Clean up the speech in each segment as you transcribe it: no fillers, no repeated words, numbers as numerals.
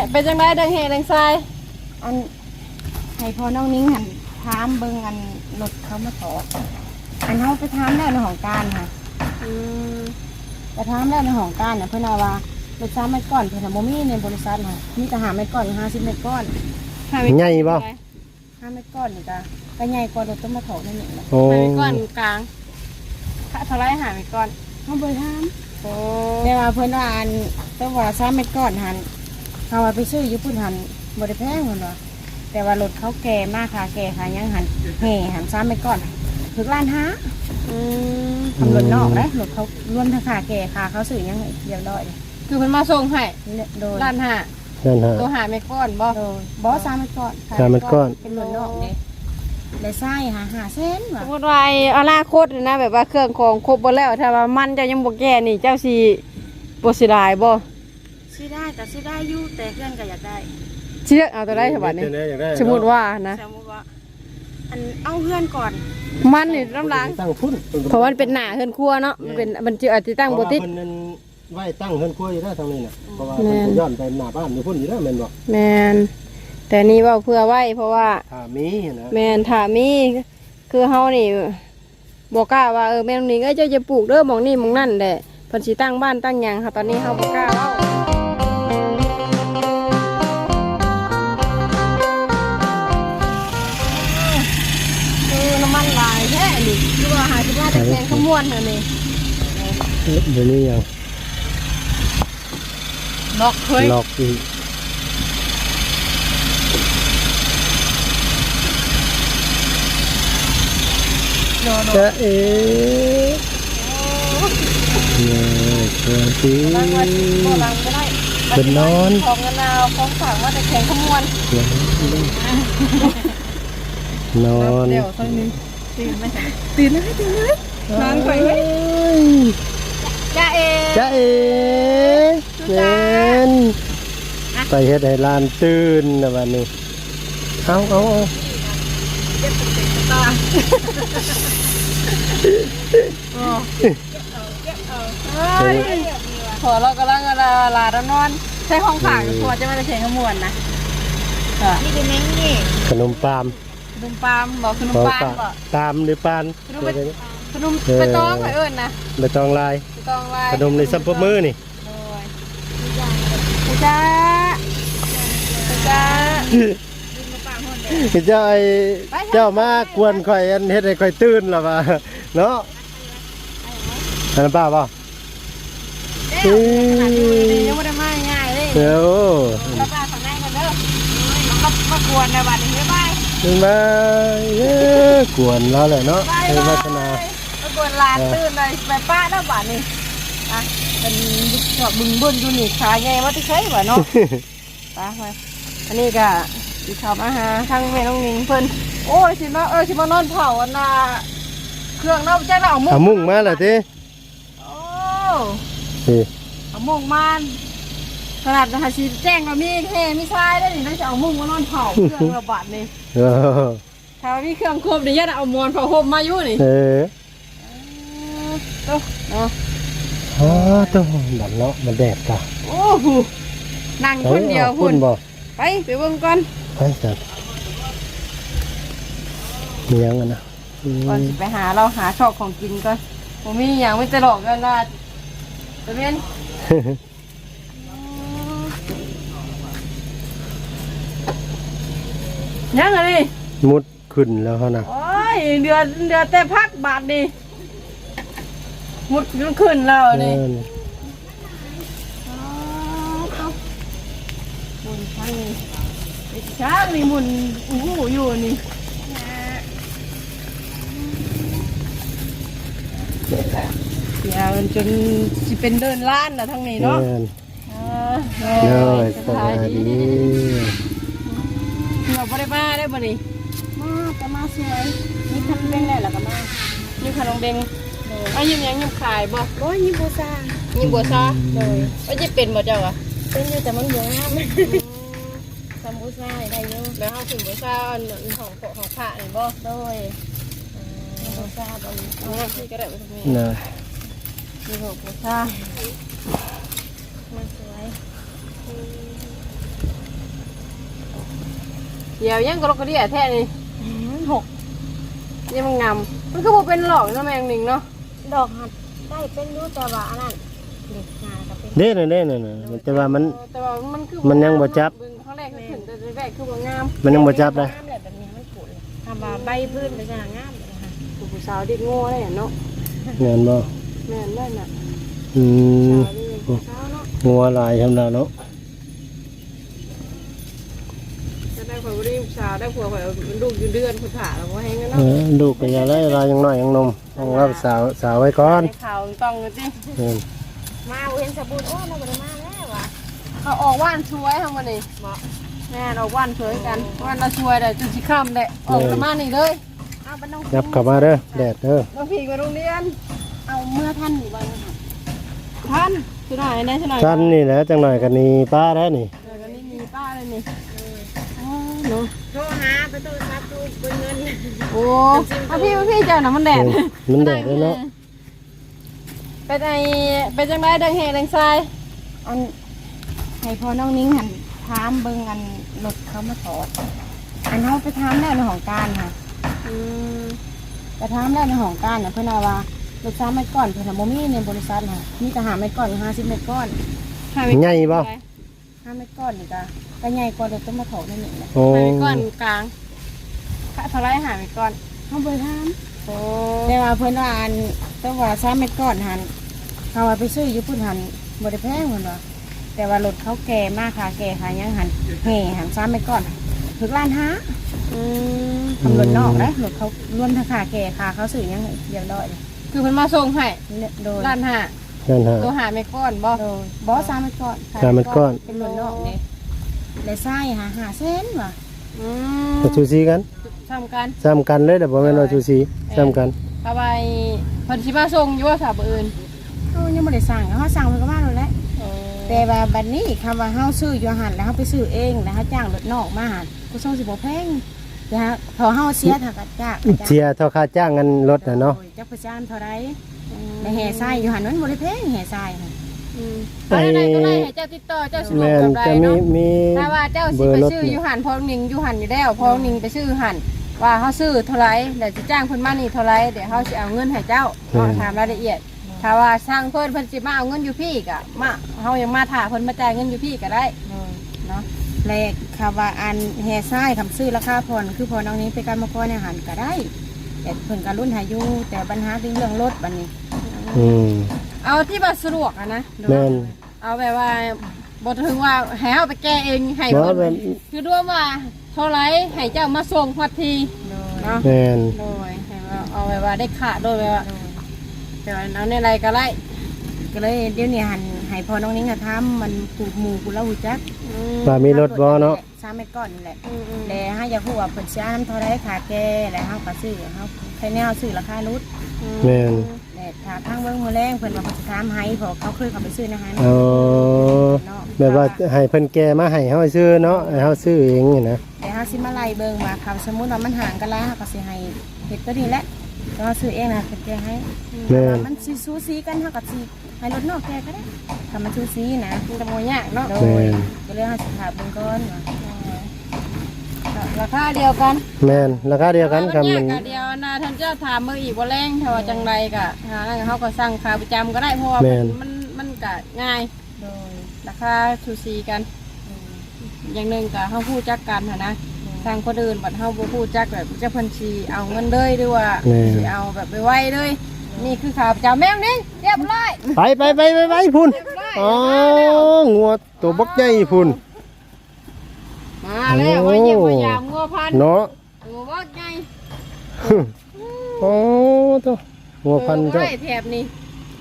เป็นจังไดดังเฮดังทรายอันให้พอน้องนิ้งหันถามเบิ่งอันรถเขามาถอดอันเขาไปถามแล้วในของการค่ะไปถามแล้วในของการเนี่ยเพื่อนว่ารถซ้ำเม็ดก้อนเพื่อนโมมี่ในบริษัทค่ะมีแต่5 เม็ดก้อน50 เม็ดก้อนใหญ่บ่ 5 เม็ดก้อนนี่ก็ใหญ่กว่ารถต้องมาถอดนั่นเองนะ 5 เม็ดก้อนกลางเท่าไร5 เม็ดก้อนเขาเบอร์ถามแต่ว่าเพื่อนว่าอันต้องว่า3 เม็ดก้อนหันเขาว่าไปซื้ออยู่พุ่นหันบริแพงเหมือนว่าแต่ว่ารถเขาแก่มากค่ะแก่ค่ะยังหันแห่หัน3 เม็ดก้อนถึง1.5 ล้านทำรถนอกนะรถเขารวมทั้งขาแก่ขาเขาสื่อยังเรียบร้อยคือมันมาส่งให้1.5 ล้านตัว5 เม็ดก้อนบ่บอส3 เม็ดก้อน 3 เม็ดก้อนเป็นรถนอกเนี่ยเลยไส้5 เซนว่ะสมมติว่าอนาคตนะแบบว่าเครื่องของครบหมดแล้วถ้าว่ามันเจ้ายังบ่แก่นี่เจ้าสิบ่สิได้บ่ซื้อได้แต่ซื้อได้อยู่แต่เพื่อนก็อยากได้เชื่อเอาตัวได้ฉบับนี้สมมติว่านะสมมติว่าอันเอาเพื่อนก่อนมันนี่น้ำล้างเพราะมันเป็นหน้าเฮือนครัวเนาะมันเป็นมันจะอาจจะตั้งบ่ติดไว้ตั้งเฮือนครัวอยู่ได้ทางนี้น่ะเพราะว่ามันย้อนไปหน้าบ้านอยู่พุ่นอยู่แล้วแม่นบ่แม่นแต่นี่ว่าเพื่อไว้เพราะว่าถ้ามีนะแม่นถ้ามีคือเฮานี่บ่กล้าว่าแม่นนี่เจ้าจะปลูกเด้อหม่องนี่หม่องนั่นแหละเพิ่นสิตั้งบ้านตั้งหยังค่ะตอนนี้เฮาบ่กล้าเว้าน้ำมันลายแท้นี่คือว่าหาสิว่าแต่แกงขมวนเหรอนี่เดี๋ยวนี้ยังล็อกเฮ้ยล็อกอีกจะเอ๋เนี่ยเกินทีเป็นนอนของเงินเอาของฝากว่าแต่แกงขมวนนอนเดี๋ยวตอนนี้ตื่นไหมตื่นเลยนอนไปไหมจ้าเอ๋เล่นไปเฮ็ดให้ลานตื่นนะวันนี้เอาเจ็บตาพอเรากำลังลาดนอนใช้ห้องผ่ากับตัวจะไม่ได้เขียนขมวนนะนี่คือแมงนี่ขนมปามบอกขนมปามบอกตามหรือปานขนมไปตองไปเอิญนะไปตองลายขนมในซัมปมือนี่จ้าเจ้ามากวนข่อยอันเฮ็ดให้ข่อยตื่นหรอวะเนาะอันนั้นป้าป่ะยังไม่ได้มาง่ายเลยเดี๋ยวป้าฝั่งไหนกันเด้อมากวนในบ้านนี้บ๊ายบายกวนแล้วแหละเนาะเป็นวัฒนามากวนลานตื่นเลยไปป้าหน้าบ้านนี่อ่ะเป็นบึ้งบึ้นอยู่นี่ขาใหญ่ว่าที่ใช้บ่เนาะป้าไปอันนี้ก็ที่เขามาหาทั้งแม่น้องนิงเพิ่นโอ้ยสิมานอนเผาอันน่ะเครื่องเราจะเอามุ่งมาแหละทีโอ้เอามุ่งมาขนาดหาชีแจ้งเรามีแค่มีชายได้นี่น่าจะเอามุ่งมานอนเผาเครื่องระบาดนี่ถ้ามีเครื่องครบเดี๋ยวจะเอามอนเผาห่มมาอยู่นี่ตัวดันเนาะมันแดดกะโอ้โหนั่งคนเดียวคุณไปเบิ่งก่อนไปจัดมียังกันนะก่อนไปหาเราหาชอบของกินก่อนผมมีอย่างไม่ตลกกันนะตะเมียนยังไงดิมุดขึ้นแล้วเขานะโอ้ยเดือนแต่พักบาทดิมุดขึ้นแล้วนี่มุนช้างนี่ช้างนี่มุนอยู่นี่เดี๋ยวจนจะเป็นเดินล้านนะทั้งนี้เนาะสบายดีเราไม่ได้มาได้บ่นี่จะมาสวยนี่ขนมเบงได้หรอกันมานี่ขนมเบงยิ้มยังยิ้มขายบ่โอ้ยยิ้มบัวซาเลยจะเป็นบ่เจ้าอ่ะเป็นอยู่แต่มันเยอะมากทำบัวซาได้เยอะแล้วเขาถึงบัวซาของพระนี่บ่โดยบัวซาตอนนี้ที่ก็ได้ไปตรงนี้มีบัวซามาสวยเดี๋ยวยังกระกระเดี่ยแท้นี่ 6 ยังมันงามมันก็บ่เป็นหลอกเนาะแมงหนิงเนาะดอกหัดได้เป็นรู้แต่ว่าอันนั้นเด็กงานก็เป็นเด้น่ะแต่ว่ามันแต่ว่ามันคือมันยังบ่จับเบิ่งครั้งแรกก็ขึ้นแต่แรกคือบ่งามมันยังบ่จับเลยงามเลยแบบนี้ไม่ปวดเลยทำมาใบพื้นไปจะงามเลยค่ะผู้สาวเด็กโง่ได้เนาะแม่นบ่แม่นได้น่ะอืมสาวนี่ผู้สาวเนาะงัวหลายทำแล้วเนาะจะได้คนบ่ได้ผู้สาวได้ผัวข่อยมันลูกอยู่เดือนผู้ถ่าแล้วบ่ให้เงินเอเนาะอลูกก็อย่าได้ลายยังน้อยยังนมต้องรับสาวไว้ก่อนให้ข่าวต้องกันติเออมาเห็นสบู่โอ้เราบ่ได้มาแล้วว่ะเขาออกว่านช่วยทำมานี่แม่นออกว่านช่วยกันว่านเราช่วยได้จนสิค่ำได้ออกประมาณนี้เลยเอาไปน้องยับเข้ามาเด้อแดดเด้อน้องพี่ไปโรงเรียนเอาเมื่อท่านอยู่บ้านค่ะท่านช่วยหน่อยนะช่วยหน่อยท่านนี่แหละจังหน่อยกันนี่ป้าแล้วนี่เดี๋ยวกันนี่มีป้าเลยนี่อ๋อเนาะโทรหาไปตู้ซับตู้เบินเงินโอ้มาพี่เจ้าน่ะมันแดดมันแดดด้วยเนาะเป็นจังไรดังเฮดังทรายอันให้พอน้องนิ้งหันถามเบิ่งอันรถเขามาถอดอันเขาไปถามแล้วในของการค่ะอืมไปถามแล้วในของการเนี่ยเพื่อนว่ารถ3 เมตรก้อนเพื่อนโมมี่ในบริษัทค่ะมีแต่5 เมตรก้อน50 เมตรก้อนใหญ่บ่ 5 เมตรก้อนนี่ก็ใหญ่กว่ารถต้นมะถอดนั่นเองนะโอ้หาไปก้อนกลางเท่าไรหาไปก้อนเขาไปถามโอ้แต่ว่าเพื่อนว่าอันต้องว่า3 เมตรก้อนหันเขาว่าไปซื้ออยู่พุ่นหันบริแพงเหมือนว่าแต่ว่ารถเขาแก่มากค่ะแก่ค่ะยังหันแห่หัน3 เมตรก้อนถึงล้านห้าอืมทำรถนอกนะรถเขาล้วนทั้งขาแก่ขาเขาสื่อยังเรียบร้อยเลยคือมันมาส่งให้โดยล้านห้านั่นฮะตัวหาไม่ก้อนบ่โดยบอส3 เมตรก้อน 3 เมตรก้อนเป็นรถนอกเลยเลยไส้หาเส้นว่ะอืมก็ชูซีกันทำกันซ้ำกันเลยแต่บ่แม่นว่าชูซีซ้ำกันเอาไปพอดีมาส่งอยู่ว่าสาวอื่นเขายังไม่ได้สั่งเขาสั่งมันก็มาเลยแหละแต่ว่าบัดนี้คำว่าเขาซื้ออยู่หันแล้วเขาไปซื้อเองแล้วเขาจ้างรถนอกมาหันกูส่งสิบแพงนะฮะพอเขาเสียถ้าก็จ้างเสียเท่าค่าจ้างเงินรถน่ะเนาะจักประจานเท่าไรในแห่ไส้อยู่หันนั้นบริเพงแห่ไส้ค่ะไปไหนก็ได้ให้เจ้าติดต่อเจ้าสะดวกแม่นกับไรจะมีเนาะมีถ้าว่าเจ้าสิเบอไปร์รถซื้ออยู่หันพอนิงอยู่หันอยู่แล้วพอนิงไปซื้อหันว่าเขาซื้อเท่าไรเดี๋ยวจะจ้างเพิ่นมานี่เท่าไรเดี๋ยวเขาจะเอาเงินให้เจ้าถามรายละเอียดถ้าว่าช่างเพิ่นสิมาเอาเงินอยู่พี่ก็มาเขายังมาถ่าเพิ่นมาจ่ายเงินอยู่พี่ก็ได้เนาะแรกคำว่าอันแห่ไส้คำซื้อราคาผ่อนคือพอน้องนี้ไปการมาก่อนเนี่ยหันก็ได้ แต่เพิ่นการรุ่นหายุแต่ปัญหาเรื่องรถบัดนี้อืมเอาที่ว่าสะดวกอะนะแม่นเอาแบบว่าบ่ถึงว่าให้เอาไปแก้เองให้เนาะเพิ่นแม่นคือด้วยว่าเท่าไรให้เจ้ามาส่งฮอดทีเนาะแม่นโดยให้ว่าเอาแบบว่าได้ขาดโดยแบบว่าแต่ว่าเอาในไรก็ไล่ก็เลยเดี๋ยวนี้หันให้พอน้องนิ้งจะทำมันปลูกหมูกูแล้วหูจักว่ามีรถบ่เนาะ 3 เมตรก้อนนี่แหละอืมแต่ให้อยากพูดว่าเพิ่นเสียน้ำเท่าไรขาแก่แล้วเฮาก็ซื้อเฮาใครแนวซื้อราคารุดแม่นแต่ถ้าทางเบิ่งมื้อแรงเพิ่นว่าเพิ่นสิถามให้เพราะเขาเคยเข้าไปซื้อในห้างอ๋อแบบว่าให้เพิ่นแก่มาให้เฮาซื้อเนาะให้เฮาซื้อเองนี่นะแต่เฮาสิมาไล่เบิ่งว่าคำสมมุติว่ามันห่างกันหลายเฮาก็สิให้เฮ็ดตัวนี้แหละแต่ว่าซื้อเองนะเพิ่นแก้ให้แม่นว่ามันสิสูสีกันเฮาก็สิให้รถนอกแก้ก็ได้ถ้ามันสูสีนะมันจะโมยากเนาะโดยก็เลยเฮาสิถามเบิ่งก่อนว่าราคาเดียวกันแม่นราคาเดียวกันครับมัมัน นยากเดียวนะท่านเจ้าถามมืออีกว่าแรงถ้าว่าจังไรก็หาแล้วเขาก็สั่งขาประจำก็ได้เพราะว่ามันก็ง่ายโดยราคาสูสีกัน อย่างหนึ่งก็เขาพูดจักกันหั้นนะทางคนอื่นบัดเขาบ่พูดจักแบบเจ้าเพันชีเอาเงินเลยด้วยว่าสิเอาแบบไปไว้เลยนี่คือข่าวประจำแม่งนี่เรียบร้อยไปพุ่นอ๋องัวตัวบักใหญ่พุ่นมาแล้วว่าเยี่ยมพยายามงัวพันธุ์เนาะตัวว่าไงโอ้ตัวงัวพันธุ์เจ้าเจ้าแถบนี้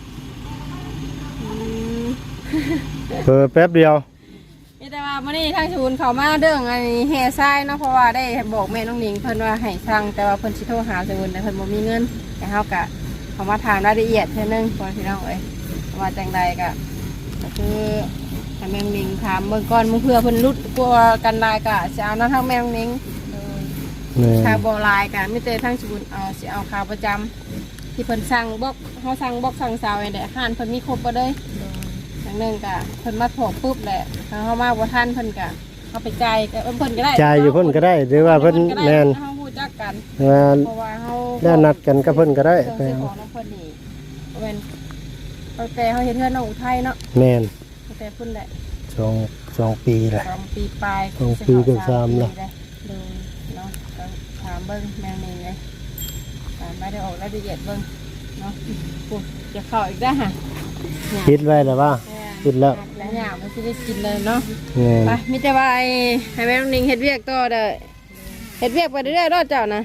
เพิ่แป๊บเดียวนี่แต่ว่ามื่อนี้ทางศูนย์เขามาเรื่องไอ้แห่ทรายเนาะเพราะว่าได้บอกแม่น้องหนิงเพิ่นว่าให้สั่งแต่ว่าเพิ่นสิโทรหาศูนย์แต่เพิ่นบ่มีเงินแต่เฮากะเขามาถามรายละเอียดเท่านึงก่อนพี่น้องเอ้ยว่าจังใดก็คือให้แม่น้องหนิงถามเบิ่งก่อนมึงเพื่อเพิ่นรุดกลัวกันหลายก็สิเอานำทางแม่น้องหนิงแม่ค่าบ่หลายก็มีแต่ทางศูนย์เอาสิเอาค่าประจำที่เพิ่นสั่งบอกเฮาสั่งบอกสั่งสาวไอ้แหละอาหารเพิ่นมีครบบ่เลย อย่างหนึ่งกะเพิ่นมาโผล่ปุ๊บแหละถ้าเขามาบ่ทันเพิ่นกะเขาไปจ่ายก็เพิ่นก็ได้จ่ายอยู่เพิ่นก็ได้หรือว่าเพิ่นแม่นเฮาฮู้จักกันเพเพราะว่าเฮาแล้วนัดกันกับเพิ่นก็ได้เครื่องซื้อของน้องเพิ่นนี่แม่นตั้งแต่เฮาเฮ็ดเฮือนน้องอุทัยเนาะแม่นตั้งแต่พุ่นแหละ 2 ปีแหละ 2 ปีปลาย 2 ปีเกือบ3ละดูเนาะก็ถามเบิ่งแมวนี่เลยถามมาได้ออกรายละเอียดเบิ่งเนาะปุ๊บจะเข้าอีกได้อฮะคิดไว้แล้วว่าคิดแล้วแล้วหยาบมันสิได้กินเลยเนาะแม่นไปมีแต่ว่าให้แม่น้องนิงเฮ็ดเวียกต่อเด้อเฮ็ดเวียกไปเรื่อยๆรอดเจ้านะ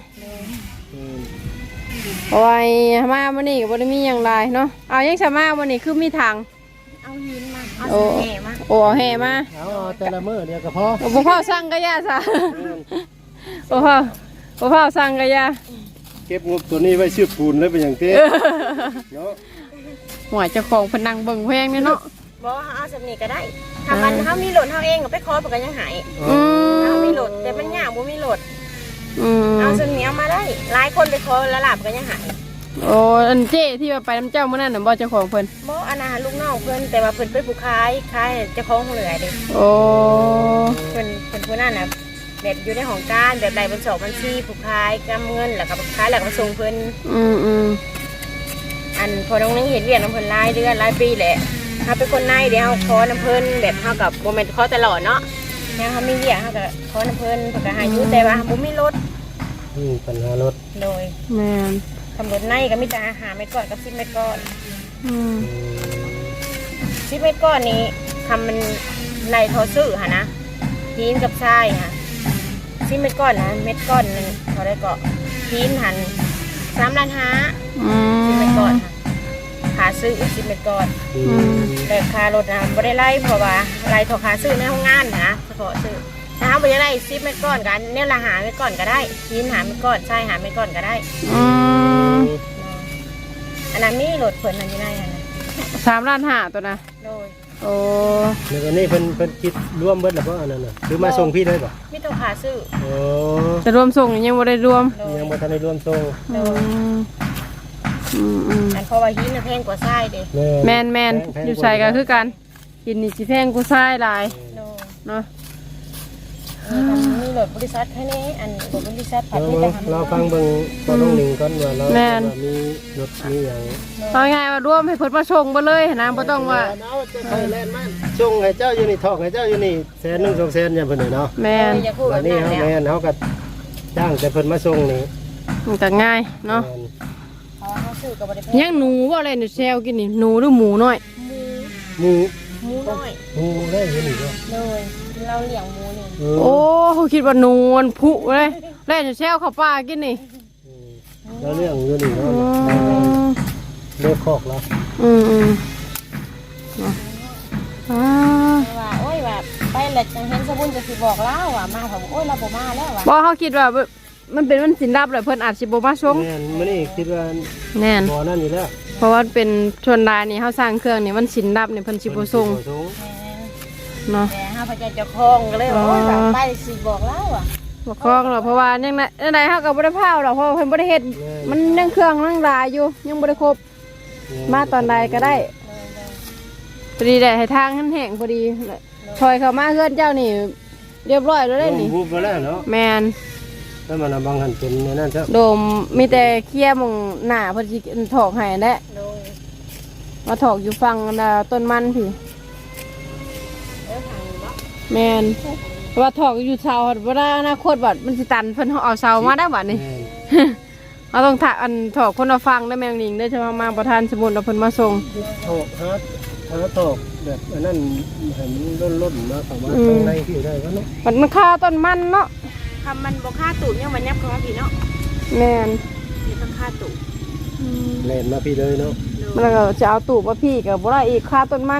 เพราะว่ามามื้อนี้ก็บ่ได้มีหยังหลายเนาะเอายังสมามื้อนี้คือมีทางเอาหินมาเอาโอ้แห่มาโอ้เอาแห่มาเอาแต่ละมื้อเดียวก็พอโอ้บ่พอสั่งก็ย่าซะโอ้พอสั่งก็ย่าเก็บงบตัวนี้ไว้ซื้อปูนแล้วเป็นอย่างเต้เนาะหัวเจ้าของเพนนังเบิ่งแพงนี่เนาะบอกว่าเอาสำนีก็ได้ถ้ามันเขามีโหลดเขาเองก็ไปขอเพิ่นก็ยังหายอืมเขามีโหลดแต่มันยากบ่มีโหลดอืมเอาสำนีเอามาได้หลายคนไปขอแล้วหลับก็ยังหายโอ้อันเจ้ที่ว่าไปน้ำเจ้ามื้อนั้นน่ะบ่เจ้าของเพิ่นบ่อันนั้นลูกน้องเพิ่นแต่ว่าเพิ่นเป็นผู้ขายเจ้าของเหลือเด้โอ้เพิ่นผู้นั้นน่ะแบบอยู่ในห้องการแบบใดบัญชีบัญชีผู้ขายกำเงินแล้วก็ขายแล้วก็มาส่งเพิ่นอืมอันพอน้องนึงเห็นเวียนน้ำเพิ่นหลายเดือนหลายปีแหละเฮาเป็นคนในเดี๋ยวเฮาขอน้ำเพิ่นแบบเฮากับบ่แม่นขอตลอดเนาะแล้วเฮามีเวียกเฮาก็ขอน้ำเพิ่นก็หาอยู่แต่ว่าบ่มีรถปัญหารถโดยแม่นตำรวจในก็มีแต่อาหารเม็ดก่อนกับ10เม็ดก่อนอืม 10เม็ดก่อนนี้ทำมันไล่ทอซื้อหั่นนะหินกับทรายค่ะ10เม็ดก่อนนะเม็ดก้อนนึงเท่าได้ก็หินหัน3.5 ล้าน10เม็ดก่อนค่ะค่าซื้อ10เม็ดก่อน แต่ค่ารถนะไม่ได้ไล่เพราะว่าไล่ถอขาซื้อในห้องงานนะเฉพาะซื้อถ้าเขาไม่ได้ไล่10เม็ดก้อนกันเนี่ยละหาเม็ดก้อนก็ได้ยินหาเม็ดก้อนใช่หาเม็ดก้อนก็ได้อืมอันนั้นมีรถเพิ่นนั่นอยู่ในนั้นนะ 3.5 ล้านตัวนะโดยโอ้แล้ววันนี้เพิ่นคิดร่วมเบิดแล้วบ่อันนั้นน่ะหรือมาส่งพี่เลยบ่มีตัวขาซื้อโอ้จะรวมส่งยังบ่ได้รวมโดยยังบ่ทันได้ร่วมส่งอืมอืมอันเพราะว่าหินน่ะแพงกว่าทรายเด้แม่นอยู่ใส่ก็คือกันกินนี่สิแพงกูซ้ายหลายโดยเนาะมีรถบริษัทแค่นี้อันรถบริษัทผัดเรามีแต่หันเราฟังเบิ่งตอนน้องหนิงก่อนว่าเราว่ามีรถมีหยังเอาง่ายๆว่ารวมให้เพิ่นมาส่งบ่เลยนะบ่ต้องว่าเอาจะไปแล่นมันส่งให้เจ้าอยู่นี่ทอกให้เจ้าอยู่นี่100,000 200,000เนี่ยเพิ่นเนาะแม่นอย่าพูดแบวันบนี้นั้นเฮาแล้วแม่นเฮาก็จ้างแต่เพิ่นมาส่งนี่มันก็ง่ายเนาะเพราะว่าเขาซื้อกับบริษัทยังหนูบ่อะไรนี่แซวกินนี่หนูหรือหมูน้อยหมูหมูน้อยหมูได้อยู่นี่บ่เลยเราเลี้ยงหมูนี่โอ้เขาคิดว่าหนูมันผุเลยแล่นอยู่แซวเข้าป่ากินนี่แล้วเรื่องอยู่นี่เนาะเลิกคอกแล้วอืมเนาะอ่าว่าโอ้ยว่าไปแล้วจังเห็นสบุนจะสิบอกเล่าว่ามาเขาบอกโอ้ยเราบ่มาแล้วว่ะบ่เขาคิดว่ามันเป็นวันสินรับเลยเพิ่นอาจสิบ่มาส่งแม่นมื้อนี้คิดว่าแน่นบ่นั่นอยู่แล้วเพราะว่าเป็นชวนรายนี่เฮาสร้างเครื่องนี่มันสินรับนี่เพิ่นสิบ่ส่งเนาะแต่ห้าพระเจ้าเจ้าของก็เลยว่าโอ้ยแบบไปสิบอกเล่าอ่ะบ่คล้องหรอกเพราะว่ายังไดเฮาก็บ่ได้พาวหรอกเพราะว่าเพิ่นบ่ได้เฮ็ดมันยังเครื่องยังหลายอยู่ยังบ่ได้ครบมาตอนใดก็ได้พอดีได้ให้ทางแห้งๆพอดีถอยเข้ามาเฮือนเจ้านี่เรียบร้อยแล้วได้นี่บูบไปแล้วเนาะแม่นแล้วมันบางหันเป็นนั่นซะโดมมีแต่เคลียร์หมองหน้าเพิ่นสิถอกให้แหละโดยมาถอกอยู่ฝั่งต้นมันพี่ทางบ่แม่นว่าถอกอยู่เสาบ่ได้อนาคตบัดมันสิตันเพิ่นเอาเสามาได้บัดนี่ เราต้องถอันถอกคนละฟังได้แมงลิงได้ใช่ไหมมาประธานสมุนเอาเพิ่นมาส่งถอกฮะถอกแบบอันนั้นให้มันล้นๆมาเข้ามาข้างในที่ได้ก็เนาะมันค่าต้นมันเนาะคำมันบ่ค่าตูดยังมันยับเข้ามาพี่เนาะแม่นนี่ต้องค่าตูดแล่นมาพี่เลยเนาะมันก็จะเอาตูบมาพี่กับบ่ได้อีกค่าต้นมัน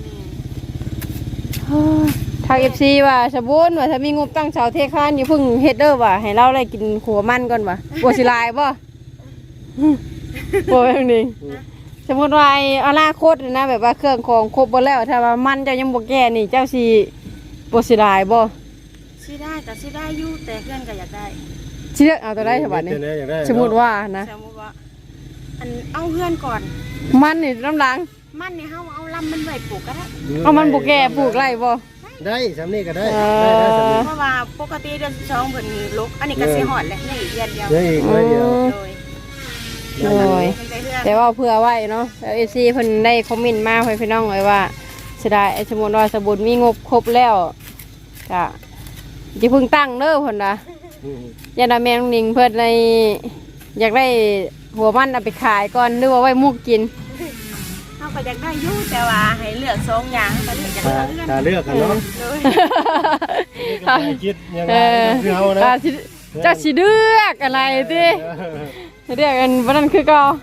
ทาง FC ว่าสบุนว่าถ้ามีงบตั้งเสาเทคานอยู่เพิ่งเฮ็ดเด้อว่าให้เราได้กินขัวมันก่อนว่าบ่สิลายบ่บ่แม่งนี่สมมุติว่าอนาคตนะแบบว่าเครื่องของครบบ่แล้วถ้าว่ามันเจ้ายังบ่แก่นี่เจ้าสิบ่สิลายบ่ซื้อได้แต่ซื้อได้อยู่แต่เพื่อนก็อยากได้สิเลือกเอาตัวได้ฉบับนี้สมมุติว่านะสมมติว่าอันเอาเพื่อนก่อนมันนี่น้ำหลังมันนี่เฮาเอาลำมันไว้ปลูกก็ได้เอามันบุกแก่ปลูกไรบ่ได้ได้สำนี้ก็ได้ได้ได้สำนี้เพราะว่าปกติเดือน12เพิ่นลุกอันนี้ก็สิฮอดแหละนี่เดือนเดียวได้อีกเลยเดียวโดยโดยเพิ่นได้เฮือนแต่ว่าเพื่อไว้เนาะแล้วFCเพิ่นได้คอมเมนต์มาให้พี่น้องเลยว่าเสียดายไอ้สมุนว่าสบุญมีงบครบแล้วก็อย่าเพิ่งตั้งเด้อเพิ่นนะอย่าดาแมงนิงเพิ่นในอยากได้หัวมันเอาไปขายก่อนหรือว่าไว้มุกกินเฮาก็อยากได้อยู่แต่ว่าให้เลือก2อย่างก็เลือกจากเฮือนถ้าเลือกกันเนาะโดยก็ไม่คิดยังไงคือเอานะเจ้าสิเลือกอะไรติเลือกกันวันนั้นคือเก่า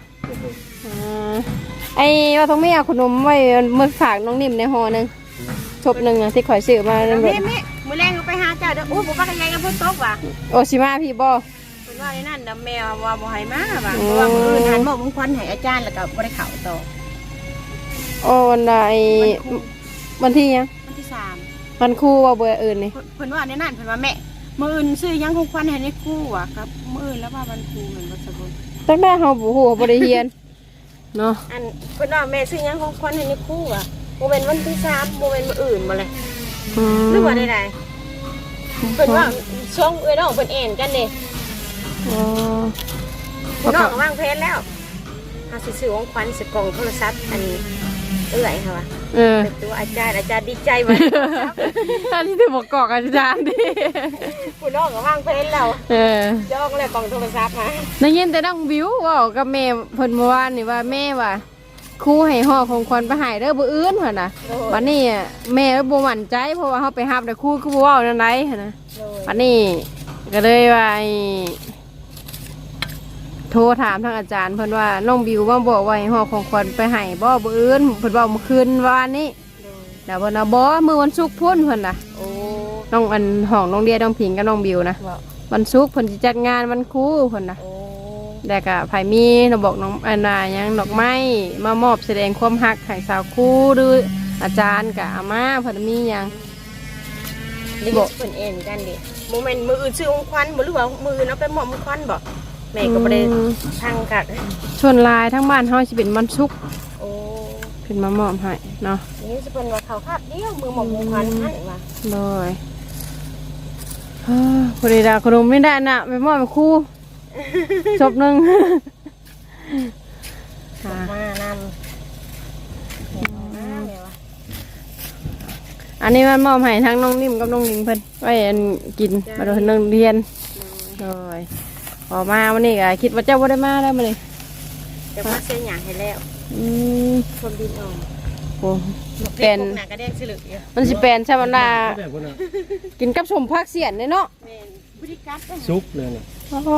ไอ้ว่าต้องไม่เอาขนมไว้มื้อฝากน้องนิ่มในห่อนึงชบนึงอะที่ข่อยซื้อมานั่นแม่เบิดแม่มื้อแรงก็ไปหาเจ้าเด้อโอ้บ่ว่ากันยังกับฝนตกว่ะโอชิมาพี่บ่เพิ่นว่าในนั้นดำแมวว่าบ่ให้มาว่ะเพราะว่ามื้ออื่นหันมอบมงคลให้อาจารย์แล้วก็บ่ได้เข้าต่อโอ้วันใดวันที่ยังวันที่3 วันครูว่าเบอร์อื่นนี่เพิ่นว่าในนั้นเพิ่นว่าแม่มื้ออื่นซื้อหยังของขวัญให้ในครูว่ะครับมื้ออื่นแล้วว่าวันครูเหมือนบ่สมบูรณ์ตั้งแต่เฮาบ่ฮู้บ่ได้เรียนเนาะอันเพิ่นว่าแม่ซื้อหยังของขวัญให้ในครูว่ะบ่แม่นวันที่3บ่แม่นมื้ออื่นบ่เลยหรือว่าใดๆเพิ่นว่าช่องเอ้ยน้องเพิ่นเอ็นกันเด้อ๋อพี่น้องก็วางแผนแล้วเฮาสิซื้อของขวัญสิกล่องโทรศัพท์อันเอื้อยค่ะว่า เป็นตัวอาจารย์ดีใจมากท่านที่ถือบอกกอกอาจารย์ดิคุณน้องก็ว่างเพลนแล้วย่องเลยกล่องโทรศัพท์มาได้ยินแต่น้องบิวเว่ากับแม่เพิ่นเมื่อวานนี่ว่าแม่ว่าครูให้ห่อของขวัญไปให้เด้อบ่อื่นหั่นน่ะวันนี้แม่บ่มั่นใจเพราะว่าเฮาไปรับแต่ครูคือบ่เว้านั่นไดหั่นน่ะวันนี้ก็เลยว่าโทรถามทางอาจารย์เพิ่นว่าน้องบิวมาบอกว่าให้ห่อของขวัญไปให้บ่อื่นเพิ่นเว้าเมื่อคืนวานนี้แล้วเพิ่นว่าบ่มื้อวันศุกร์พุ่นเพิ่นน่ะโอ้น้องอันห้องน้องเดียน้องผิงกับน้องบิวนะวันศุกร์เพิ่นสิจัดงานวันครูเพิ่นน่ะโอ้แต่ก็ไผมีเราบอกน้องอันน่ะหยังดอกไม้มามอบแสดงความรักให้สาวครูหรืออาจารย์ก็เอามาเพิ่นมีหยังนี่บอกเพิ่นเอ็นกันดิโมเมนต์มืออื่นซื้อของขวัญบ่หรือว่ามืออื่นเอาไปมอบของขวัญบ่แม่ก็บ่ได้พังกัดชวนหลายทั้งบ้านเฮาสิเป็นวันศุกร์โอ้เพิ่นมามอบให้เนาะนี่สิเพิ่นว่าเขาคาบเดียวมือมอบของขวัญให้ว่าเลยพอดีดาขนมไม่ได้น่ะไปมอบให้ครูจบหนึงค่ะมานำแม่ว่าอันนี้มันมอบให้ทั้งน้องนิ่มกับน้องหนิงเพิ่นไว้อันกินมาโดนนักเรียนเลยพอมาวันนี้ก็คิดว่าเจ้าบ่ได้มาแล้วมื้อนี้จะมาเสียหยังให้แล้วอืมคนดินออกโอ้เป็นหน้ากระแดงสิลึกอยู่มันสิเป็นใช่มันดาแบบคนน่ะกินกับสมพักเสียนเลยเนาะแม่นบริการเด้อซุกเลยน่ะโอ้โห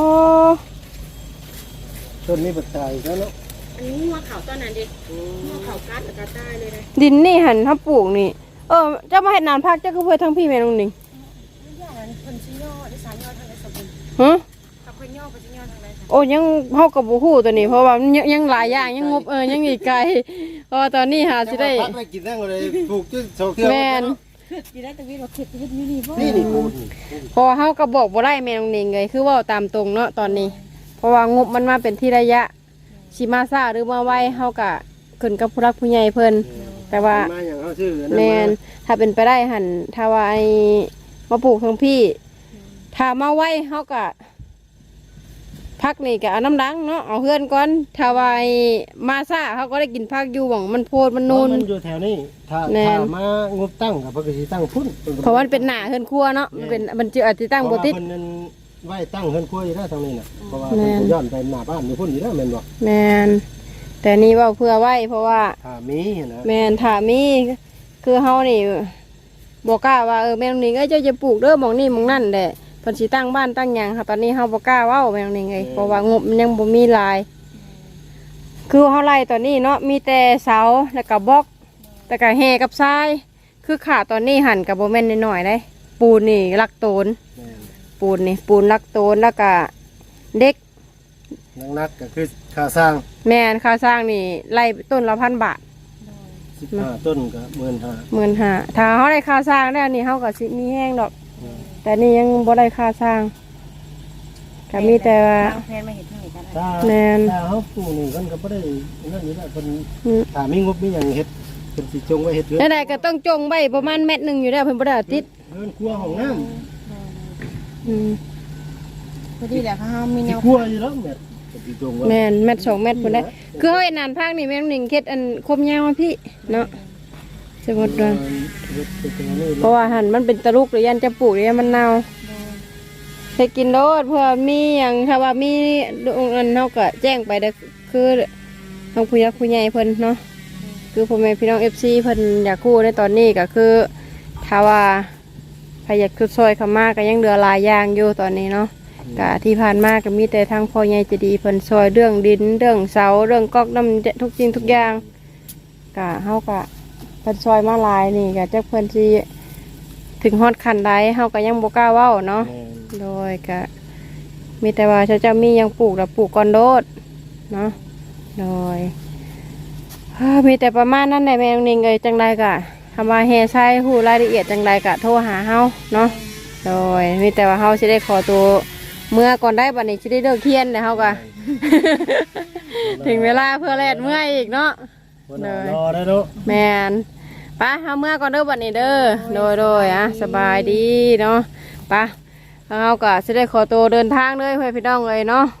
ต้นนี้ปัจจัยแล้วเนาะอันนี้หัวเขาตอนนั้นดิหัวเขากัดแล้วก็ตายเลยนะดินนี่หันถ้าปลูกนี่เจ้ามาเห็ดนานพักเจ้าก็เพื่อทั้งพี่แม่น้องหนิงอย่างนั้นเพิ่นสิย่อดิสานย่อทางไหนสมบูรณ์ฮะถ้าเพิ่นย่อเพิ่นสิย่อทางไหนจ้ะโอ้ยังเฮากับบ่ฮู้ตัวนี้เพราะว่ามันยังหลายอย่างยังงบยังอีกไกลเพราะว่าตอนนี้หาสิได้พักได้กินนั่งเลยปลูกจน2เทื่อแม่นสิได้แต่วิทย์ว่าเข็ดวิทย์นี่บ่นี่ปลูกเพราะว่าเฮาก็บอกบ่ได้แม่น้องหนิงเลยคือเว่าตามตรงเนาะตอนนี้ เพราะว่างบมันมาเป็นที่ระยะสิมาซ่าหรือมาไวเฮาก็ขึ้นกับผู้รักผู้ใหญ่เพิ่นแต่ว่ามาอย่างเอาชื่อแมนถ้าเป็นไปได้หันถ้าว่าไอ้มาปลูกทั้งพี่ ถ้ามาไว้เขาก็พักนี่ก็เอาน้ำดังเนาะเอาเพื่อนก่อนถ้าว่าไอ้มาซ่าเขาก็ได้กินพักอยู่หวังมันโพดมันนูนมันอยู่แถวนี้ถ้ามางบตั้งกับปกติตั้งพุ่นเพราะว่ามันเป็นหนาเฮือนครัวเนาะมันจะอาจจะตั้งโบติดเพราะว่าเพิ่นนั้นไว้ตั้งเฮือนครัวอยู่แล้วทางนี้น่ะเพราะว่าเพิ่นย้อนไปหน้าบ้านอยู่พุ่นอยู่แล้วแม่นบ่แมนแต่นี่เว่าเพื่อไว้เพราะว่าถ้ามีนะแมนถ้ามีคือเฮานี่บอกกล้าว่าแม่นนี่เจ้าจะปลูกเด้อหมองนี่หมองนั่นแหละเพิ่นสิตั้งบ้านตั้งหยังค่ะตอนนี้เฮาบ่กล้าเว้าแม่นนี่ไงเพราะว่างบมันยังบ่มีหลาย คือเฮาไล่ตอนนี้เนาะมีแต่เสาแล้วก็บล็อกแต่ก็แห่กับทรายคือขาตอนนี้หั่นก็บ่แม่นน้อยๆเด้ปูนนี่ลักโตนแม่นปูนลักโตนแล้วก็เด็กนักก็คือค่าสร้างแม่นค่าสร้างนี่ไล่ต้นละ1,000 บาท 15ต้นก็15,000 15,000ถ้าเขาได้ค่าสร้างแล้วนี่เขาก็สิมีแห้งดอก แต่นี่ยังบ่ได้ค่าสร้างก็มีแต่ว่าแพนมาเห็นทางนี้กันถ้าแม่นถ้าเฮาปลูกนี่เพิ่นก็บ่ได้นั่นอยู่แล้วเพิ่นอืมถ้ามีงบมีหยังเฮ็ดเพิ่นสิจงไว้เฮ็ดเรือนนั่นใดก็ต้องจงไว้ประมาณเม็ดหนึงอยู่แล้วเพิ่นบ่ได้เอาติดเรือนครัวห้องน้ำอืมพอดีแหละเขามีแนสิวครัวอยู่แล้วแม่เพิ่นสิจงไว้แม่นเม็ด2เม็ดพุ่นได้คือเฮาเฮ็ดนานภาคนี่แม่นหนิงเฮ็ดอันคมยาวมาพี่เนาะสมมุติว่าเฮ็ดเป็นตัวนี้เพราะว่าหั่นมันเป็นตะลุกหรือยันจะปลูกหรือยันมันเน่าเฮ็ดกินโลดเพื่อมีหยังถ้าว่ามีอันเฮาก็แจ้งไปเด้อคือทางผู้ใหญ่ผู้ใหญ่เพิ่นเนาะคือพ่อแม่พี่น้อง FC เพิ่นอยากกู้ในตอนนี้ก็คือถ้าว่าใครอยากช่วยเข้ามาก็ยังเหลือหลายอย่างอยู่ตอนนี้เนาะก็ที่ผ่านมาก็มีแต่ทางพ่อใหญ่ใจะดีเพิ่นช่วยเรื่องดินเรื่องเสาเรื่องก๊อกน้ำทุกสิ่งทุกอย่างก็เฮาก็เพิ่นช่วยมาหลายนี่ก็จักเพิ่นสิถึงฮอดขั้นใดเฮาก็ยังบ่กล้าเว้าเนาะโดยก็มีแต่ว่าเจ้ามียังปลูกแล้วปลูกก่อนโดดเนาะโดยมีแต่ประมาณนั้นแหละแม่น้องนิงเอ้ยจังไดก็คำว่าเฮใช้ฮู้รายละเอียดจังไดก็โทรหาเฮาเนาะโดยมีแต่ว่าเฮาสิได้ขอตัวเมื่อก่อนได้บัดนี้สิได้เลิกเที่ยนแล้วเฮาก็ ถึงเวลาเพื่อแลดเมื่อยอีกเนาะรอได้เนาะแมนป้าเอาเมื่อก่อนเด้อบัดนี้เด้อโดยอ่ะสบายดีเนาะป้าเอาก็สิได้ขอตัวเดินทางเลยเพื่อนพี่น้องเลยเนาะ